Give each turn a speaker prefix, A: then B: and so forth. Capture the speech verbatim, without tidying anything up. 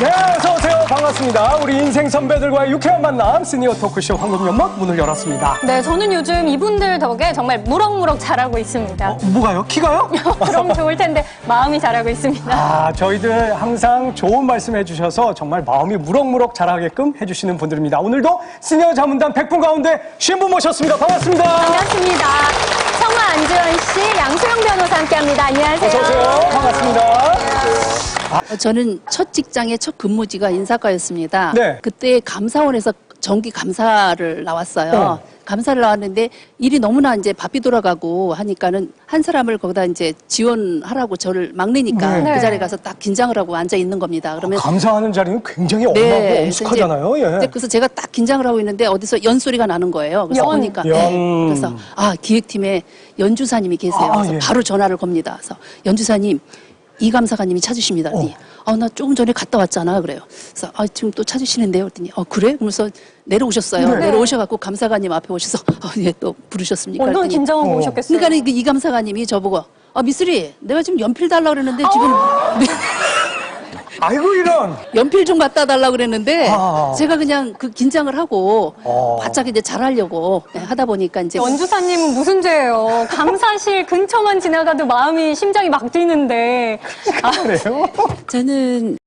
A: 네, 어서오세요. 반갑습니다. 우리 인생 선배들과의 유쾌한 만남, 시니어 토크쇼 황금연막 문을 열었습니다.
B: 네, 저는 요즘 이분들 덕에 정말 무럭무럭 자라고 있습니다.
A: 어, 뭐가요? 키가요?
B: 그럼 좋을 텐데 마음이 자라고 있습니다.
A: 아, 저희들 항상 좋은 말씀 해주셔서 정말 마음이 무럭무럭 자라게끔 해주시는 분들입니다. 오늘도 시니어 자문단 백 분 가운데 쉰 분 모셨습니다. 반갑습니다.
B: 반갑습니다. 청아 안주현 씨, 양소영 변호사 함께합니다. 안녕하세요.
A: 어서오세요. 반갑습니다.
C: 저는 첫 직장의 첫 근무지가 인사과였습니다.
A: 네.
C: 그때 감사원에서 정기 감사를 나왔어요.
A: 네.
C: 감사를 나왔는데 일이 너무나 이제 바삐 돌아가고 하니까는 한 사람을 거기다 이제 지원하라고 저를 막내니까
A: 네.
C: 그 자리에 가서 딱 긴장을 하고 앉아 있는 겁니다. 그러면
A: 감사하는 자리는 굉장히 엄하고
C: 네,
A: 엄숙하잖아요.
C: 이제,
A: 예.
C: 이제 그래서 제가 딱 긴장을 하고 있는데 어디서 연 소리가 나는 거예요. 그래서
B: 연.
C: 보니까
A: 연.
C: 네. 그래서 아 기획팀에 연주사님이 계세요.
A: 아,
C: 그래서
A: 예.
C: 바로 전화를 겁니다. 그래서 연주사님 이 감사관님이 찾으십니다. 그랬더니 아, 나 조금 전에 갔다 왔잖아. 그래요. 그래서 아, 지금 또 찾으시는데요. 그랬더니 어, 그래? 그러면서 내려오셨어요.
A: 네.
C: 내려오셔갖고 감사관님 앞에 오셔서 어, 예, 또 부르셨습니까?
B: 얼마나
C: 그랬더니
B: 긴장하고
A: 어.
B: 오셨겠어요.
C: 그러니까 이 감사관님이 저보고 아, 미쓰리 내가 지금 연필 달라 그랬는데 지금
A: 아이고, 이런.
C: 연필 좀 갖다 달라 그랬는데
A: 아.
C: 제가 그냥 그 긴장을 하고
A: 어.
C: 바짝 이제 잘하려고 네, 하다 보니까 이제
B: 연주사님은 무슨 죄예요? 감사실 근처만 지나가도 마음이 심장이 막 뛰는데. 아,
A: 그래요?
D: 저는